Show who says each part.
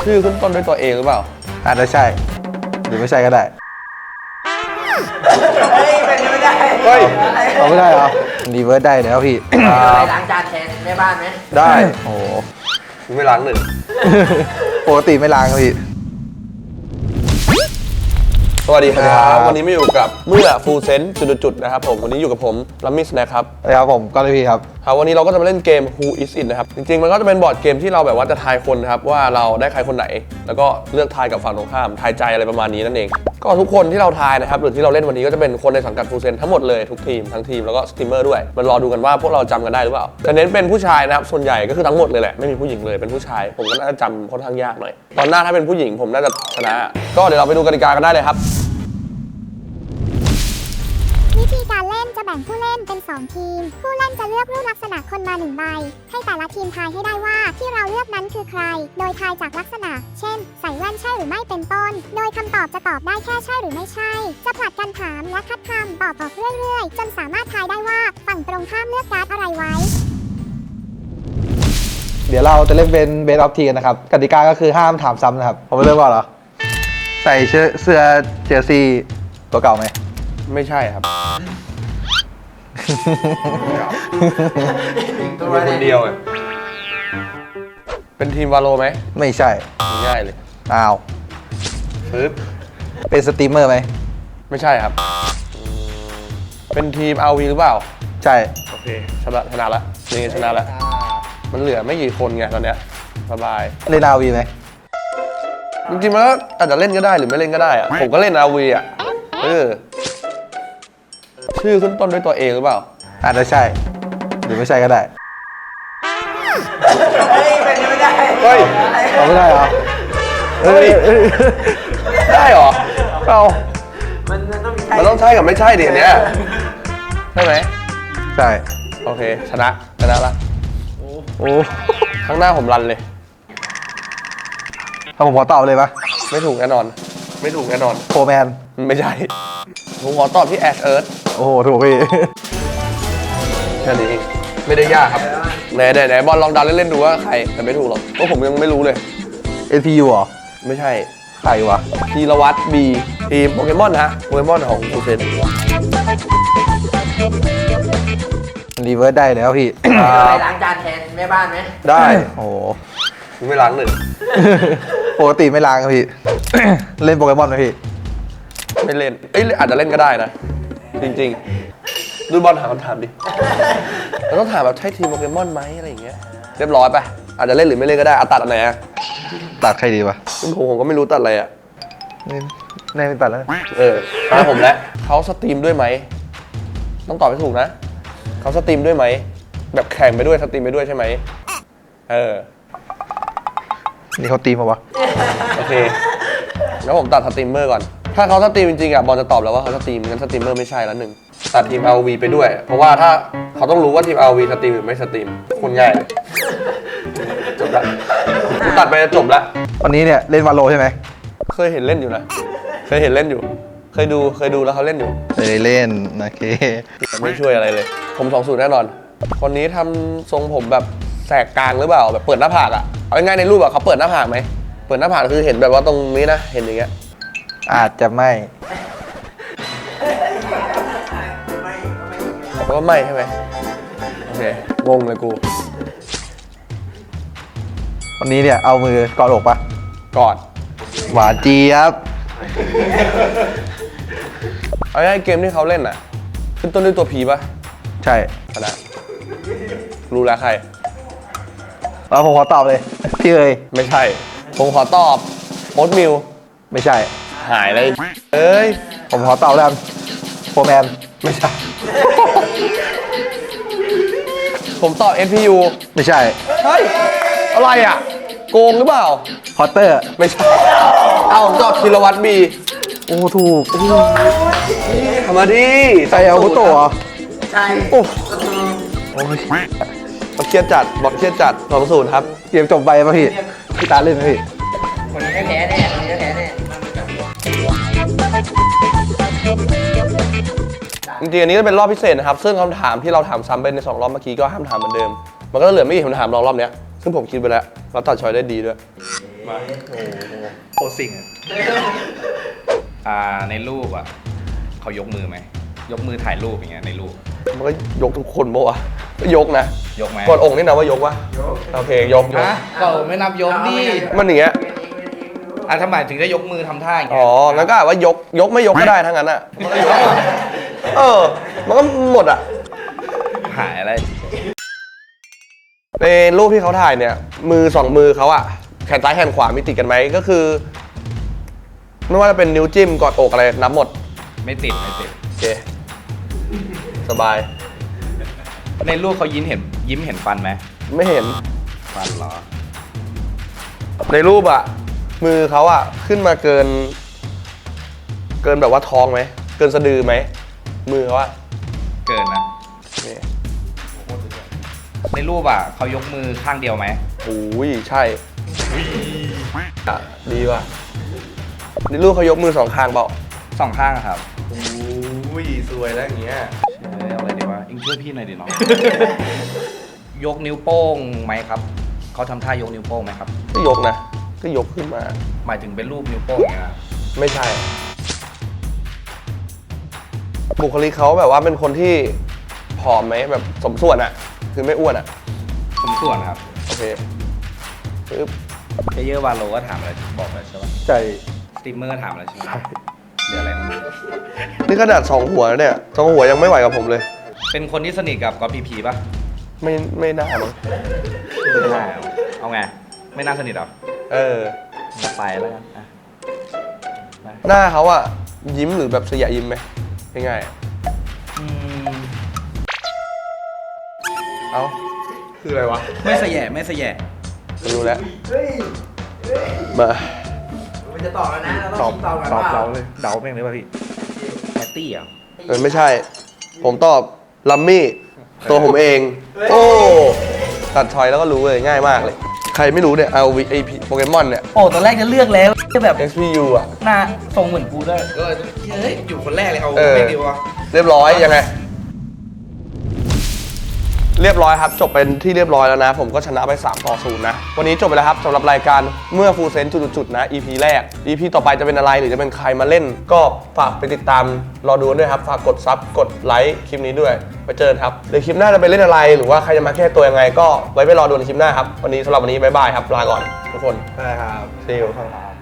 Speaker 1: ชื่อขึ้นต้นด้วยตัวเองหรือเปล่า
Speaker 2: อาจจะใช่หรือไม่ใช่ก็ได้
Speaker 3: เฮ้ยเป็นไม่ได้
Speaker 1: เฮ้ย
Speaker 2: เอาไม่ได้เหรอรีเวิร์สได้แล้วพี่
Speaker 3: ไปล้างจานแทนแม่บ้านไหม
Speaker 1: ได้
Speaker 2: โอ้
Speaker 1: ไม่ล้างหนึ่ง
Speaker 2: ปกติไม่ล้างครับพี่
Speaker 1: สวัสดีครับวันนี้มาอยู่กับเมื่อฟูลเซนต์จุดๆนะครับผมวันนี้อยู่กับผมลัมมิสนะครับ
Speaker 2: ครับผมก็เลยพี่ครับ
Speaker 1: วันนี้เราก็จะมาเล่นเกม Who Is It นะครับจริงๆมันก็จะเป็นบอร์ดเกมที่เราแบบว่าจะทายคนนะครับว่าเราได้ใครคนไหนแล้วก็เลือกทายกับฝั่งตรงข้ามทายใจอะไรประมาณนี้นั่นเองก็ทุกคนที่เราทายนะครับหรือที่เราเล่นวันนี้ก็จะเป็นคนในสังกัดฟูลเซนต์ทั้งหมดเลยทุกทีมทั้งทีมแล้วก็สตรีมเมอร์ด้วยมันรอดูกันว่าพวกเราจำกันได้หรือเปล่าจะเน้นเป็นผู้ชายนะครับส่วนใหญ่ก็คือทั้งหมดเลยแหละไม่มีผู้หญิงเลยเป็นผู้ชายผมก็น่าจะจำค่อนข้างยากหน่อยตอนหน้าถ้าเป็นผู้หญิงผมน่าจะชนะก็เดี๋ยวเราไปดูกติกากันได้เลยครับ
Speaker 4: วิธีการเล่นจะแบ่งผู้เล่นเป็น2ทีมผู้เล่นจะเลือกรูปลักษณะคนมา1ใบให้แต่ละทีมทายให้ได้ว่าที่เราเลือกนั้นคือใครโดยทายจากลักษณะเช่นใส่แว่นใช่หรือไม่เป็นต้นโดยคำตอบจะตอบได้แค่ใช่หรือไม่ใช่จะผลัดกันถามและคัดคำตอบออกเรื่อยๆจนสามารถทายได้ว่าฝั่งตรงข้ามเลือกการ์ดอะไรไว้
Speaker 2: เดี๋ยวเราจะเล่นเป็นเบสออฟทีกันนะครับกติกาก็คือห้ามถามซ้ำนะครับผมไม่เริ่มก่อนเหรอใส่เสื้อเจอร์ซีตัวเก่าไหม
Speaker 1: ไม่ใช่ครับตัวคนเดียวเป็นทีมวาโลไหม
Speaker 2: ไม่ใช่
Speaker 1: ง่ายเลย
Speaker 2: อ้าว
Speaker 1: ปึ๊บ
Speaker 2: เป็นสตรีมเมอร์ไหม
Speaker 1: ไม่ใช่ครับเป็นทีม RV หรือเปล่า
Speaker 2: ใช่
Speaker 1: โอเคชนะละนี่ชนะละมันเหลือไม่กี่คนไงตอนเนี้ยสบาย
Speaker 2: เล่น RV ไหม
Speaker 1: จริงๆมันก็อาจจะเล่นก็ได้หรือไม่เล่นก็ได้อะผมก็เล่น RV อ่ะชื่อขึ้นต้นด้วยตัวเองหรือเปล่า
Speaker 2: อาจจะใช่หรือไม่ใช่ก็ได้
Speaker 3: เฮ้ยเป็นไม่ได้
Speaker 1: เฮ้ย
Speaker 2: เอาไม่ได้เหรอ
Speaker 1: เฮ้ยได้เหรอเอามันต้องใช่กับไม่ใช่ดิอันเนี้ยใช่ไหม
Speaker 2: ใช่
Speaker 1: โอเคชนะละ
Speaker 2: โอ้
Speaker 1: ข้างหน้าผมรันเลย
Speaker 2: ถ้าผมขอตอบเลยปะ
Speaker 1: ไม่ถูกแน่นอน
Speaker 2: โฟร์แมน
Speaker 1: ไม่ใช่ผมขอตอบที่แอชเอิร์ธ
Speaker 2: โอ้โหถูกพี่
Speaker 1: แค่นี้ไม่ได้ยากครับไหนบอลลองดันเล่นๆดูว่าใครแต่ไม่ถูกหรอกเพราะผมยังไม่รู้เลย
Speaker 2: NPU เหรอ
Speaker 1: ไม่ใช่
Speaker 2: ใครวะ
Speaker 1: ธีรวัตรบีทีมโปเกมอนฮะโปเกมอนของฟูเซน
Speaker 2: รีเวิร์สได้แล้วพี่
Speaker 3: ไปล้างจานแทนแม่บ้านไหม
Speaker 1: ได้
Speaker 2: โอ้
Speaker 1: ไม่ล้างหนึ่ง
Speaker 2: ปกติไม่ล้างครับพี่เล่นโปเกมอนไหมพี่
Speaker 1: ไม่เล่นอาจจะเล่นก็ได้นะจริงๆดูบอลถามคำถามดิเราต้องถามแบบใช่ทีมโปเกมอนไหมอะไรอย่างเงี้ยเรียบร้อยไปอาจจะเล่นหรือไม่เล่นก็ได้ตัดอันไหนอะ
Speaker 2: ตัดใครดีวะ
Speaker 1: ผมก็ไม่รู้ตัดอะไรอะ
Speaker 2: ไม่ตัดแล้ว
Speaker 1: ตามผมแล้วเขาสตรีมด้วยไหมต้องตอบให้ถูกนะเขาสตรีมด้วยไหมแบบแข่งไปด้วยสตรีมไปด้วยใช่ไหม
Speaker 2: นี่เขาตีมาวะ
Speaker 1: โอเคแล้วผมตัดสตรีมเมอร์ก่อนถ้าเขาสตรีมจริงๆอ่ะบอลจะตอบแล้วว่าเขาสตรีมงั้นสตรีมเมอร์ไม่ใช่แล้วหนึ่งตัดทีม RV ไปด้วยเพราะว่าถ้าเขาต้องรู้ว่าทีม RV สตรีมหรือไม่สตรีมคนง่ายเลยจบละตัดไปจะจบละ
Speaker 2: วันนี้เนี่ยเล่นวาโลใช่ไหม
Speaker 1: เคยเห็นเล่นอยู่นะเคยดูแล้วเขาเล่นอยู่
Speaker 2: เคยเล่นโอเค
Speaker 1: ไม่ช่วยอะไรเลยผม2-0แน่นอนคนนี้ทำทรงผมแบบแสกกลางหรือเปล่าแบบเปิดหน้าผากอ่ะเอาง่ายๆในรูปอ่ะเขาเปิดหน้าผากไหมเปิดหน้าผากคือเห็นแบบว่าตรงนี้นะเห็นอย่างเงี้ย
Speaker 2: อาจจะไม่
Speaker 1: เพราะว่าไม่ใช่ไหมโอเคงงเลยกู
Speaker 2: วันนี้เนี่ยเอามือกอดอกปะ
Speaker 1: กอด
Speaker 2: หวานเจี๊ยบ
Speaker 1: เอาง่ายเกมที่เขาเล่นอ่ะขึ้นต้นด้วยตัวผีปะ
Speaker 2: ใช่
Speaker 1: ชนะรู้แล้วใคร
Speaker 2: แล้วผมขอตอบเลยพี่เอ๋ย
Speaker 1: ไม่ใช่ผมขอตอบโอ๊ตมิล
Speaker 2: ไม่ใช่
Speaker 1: หายเลย
Speaker 2: ผมขอตอบแล้วโฟร์แมน
Speaker 1: ไม่ใช่ผมตอบ NPU
Speaker 2: ไม่ใช่
Speaker 1: อะไรอ่ะโกงหรือเปล่า
Speaker 2: พอตเตอร์
Speaker 1: ไม่ใช่ผมตอบธีรวัตรบี
Speaker 2: โอ้ถูก
Speaker 1: ทำมาดิ
Speaker 2: ใส่เอากุโตะ
Speaker 3: ใช่
Speaker 2: โอ้
Speaker 1: เครียดจัดบอลเครียดจัด2-0ครับ
Speaker 2: เกมจบไปป่ะพี่ตาเล่นไหมพี่
Speaker 3: คนนี้แพ้แน่
Speaker 1: จริงๆอันนี้จะเป็นรอบพิเศษนะครับซึ่งคำถามที่เราถามซ้ำไปใน2รอบเมื่อกี้ก็ห้ามถามเหมือนเดิมมันก็เหลือไม่กี่คำถามรอบเนี้ยซึ่งผมคิดไปแล้วเราตัดช้อยได้ดีด้วย
Speaker 2: มาโอ้โหโคตรสิ่งอะ
Speaker 5: ในรูปอ่ะเขายกมือไหมยกมือถ่ายรูปอย่างเงี้ยในรูป
Speaker 1: มันก็ยกทุกคนปะวะก็ยกนะ
Speaker 5: ยกไหม
Speaker 1: กดองค์นี่นะว่ายกวะโอเคยก
Speaker 5: ฮะก็ไม่นับยกดิ
Speaker 1: มันอย่างเงี้ย
Speaker 5: ทำไมถึงได้ยกมือทำท่าอย่าง
Speaker 1: อ๋
Speaker 5: เงี้
Speaker 1: อย งั้นก็ว่ายกไม่ยกก็ได้ทั้งนั้นอ่ะมันก็ยกมันก็หมดอ่ะ
Speaker 5: หายอะไร
Speaker 1: ในรูปที่เขาถ่ายเนี่ยมือสองมือเขาอ่ะแขนซ้ายแขนขวามีติดกันไหมก็คือ ไม่ว่าจะเป็นนิ้วจิ้มกอดอกอะไรนับหมด
Speaker 5: ไม่ติดไม่ติด
Speaker 1: โอเคสบาย
Speaker 5: ในรูปเขายิ้มเห็นฟันไหม
Speaker 1: ไม่เห็น
Speaker 5: ฟันเหรอ
Speaker 1: ในรูปอ่ะมือเขาอ่ะขึ้นมาเกินแบบว่าท้องไหมเกินสะดือไหมมือเขาอ่ะ
Speaker 5: เกินนะ
Speaker 1: นี่
Speaker 5: ในรูปอ่ะเขายกมือข้างเดียวไหม
Speaker 1: โอ้ยใช่อ่ะดีว่ะในรูปเขายกมือสองข้างเปล่า
Speaker 5: สองข้างอะครับ
Speaker 1: โอ้ยสวยแล้วอย่างเงี้ย
Speaker 5: เอาอะไรดีวะอิงช่วยพี่หน่อยดิน้อง ยกนิ้วโป้งไหมครับเขาทำท่ายกนิ้วโป้งไหมครับ
Speaker 1: ก็ยกนะก็ยกขึ้นมา
Speaker 5: หมายถึงเป็นรูปนิ้วโป้งอย่างเงี้ยนะ
Speaker 1: ไม่ใช่ บุคลิกเขาแบบว่าเป็นคนที่ผอมไหมแบบสมส่วนอะคือไม่อ้วนอะ
Speaker 5: สมส่วนครับ
Speaker 1: โอเคปึ๊บ
Speaker 5: เพเยอร์วาโลก็ถามอะไรบอกเลยใช่ปะ
Speaker 2: ใจ
Speaker 5: สตรีมเมอร์ก็ถามอะไรใช่ไหมเดี๋ยวอะไรมัน
Speaker 1: นี่ขนาดสองหัวแล้วเนี่ยสองหัวยังไม่ไหวกับผมเลย
Speaker 5: เป็นคนที่สนิทกับก๊อฟพีพีป่ะ
Speaker 1: ไม่น่ามั้ง
Speaker 5: ไม่น่าเอาไง ไม่น่าสนิทหรอ
Speaker 1: เออ
Speaker 5: ไปแล้วกันอ่ะไป
Speaker 1: หน้าเขาอะยิ้มหรือแบบเสียยิ้มไหมง่ายๆอะ
Speaker 5: อืม
Speaker 1: เอ้าคืออะไรวะ
Speaker 5: ไม่สะแยะไม่สะแยะ
Speaker 1: รู้แล้ว
Speaker 3: เฮ้ย
Speaker 1: มา
Speaker 3: มันจะตอบแล้วนะ เรา
Speaker 2: ต
Speaker 3: ต้
Speaker 2: อ
Speaker 3: อบ งคิดตอบกัน
Speaker 2: ตอบ
Speaker 3: ว่า
Speaker 2: เดาเลยเดาแม่งเลยป่ะพี่
Speaker 5: แพตตี้อ่ะ
Speaker 1: ไม่ใช่ ผมตอบลัมมี่ ตัวผมเอง โอ้ ตัดชอยแล้วก็รู้เลยง่ายมากเลย ใครไม่รู้เนี่ย RV AP โปเกมอนเนี่ย
Speaker 5: โอ้ตอนแรกจะเลือกแล้วจะแบบ
Speaker 1: SPU อ่ะ
Speaker 5: หน้าทรงเหมือนกูด้วยก็เฮ้ยอยู่คนแรกเลยเอา
Speaker 1: เออ
Speaker 5: ไม่ดีวะ
Speaker 1: เรียบร้อยยังไง เรียบร้อยครับ จบเป็นที่เรียบร้อยแล้วนะ ผมก็ชนะไป3-0นะ วันนี้จบไปแล้วครับสำหรับรายการเมื่อฟูลเซนจุดๆนะ EP แรก EP ต่อไปจะเป็นอะไรหรือจะเป็นใครมาเล่น ก็ฝากไปติดตามรอดูด้วยครับ ฝากกดซับกดไลค์คลิปนี้ด้วยไปเจอกันครับเดี๋ยวคลิปหน้าจะไปเล่นอะไรหรือว่าใครจะมาแก้ตัวยังไง ก็ไว้ไปรอดูในคลิปหน้าครับวันนี้สำหรับวันนี้บ๊ายบายครับลาก่อนทุกคน
Speaker 2: ได้ครับ
Speaker 1: See you
Speaker 2: ครับ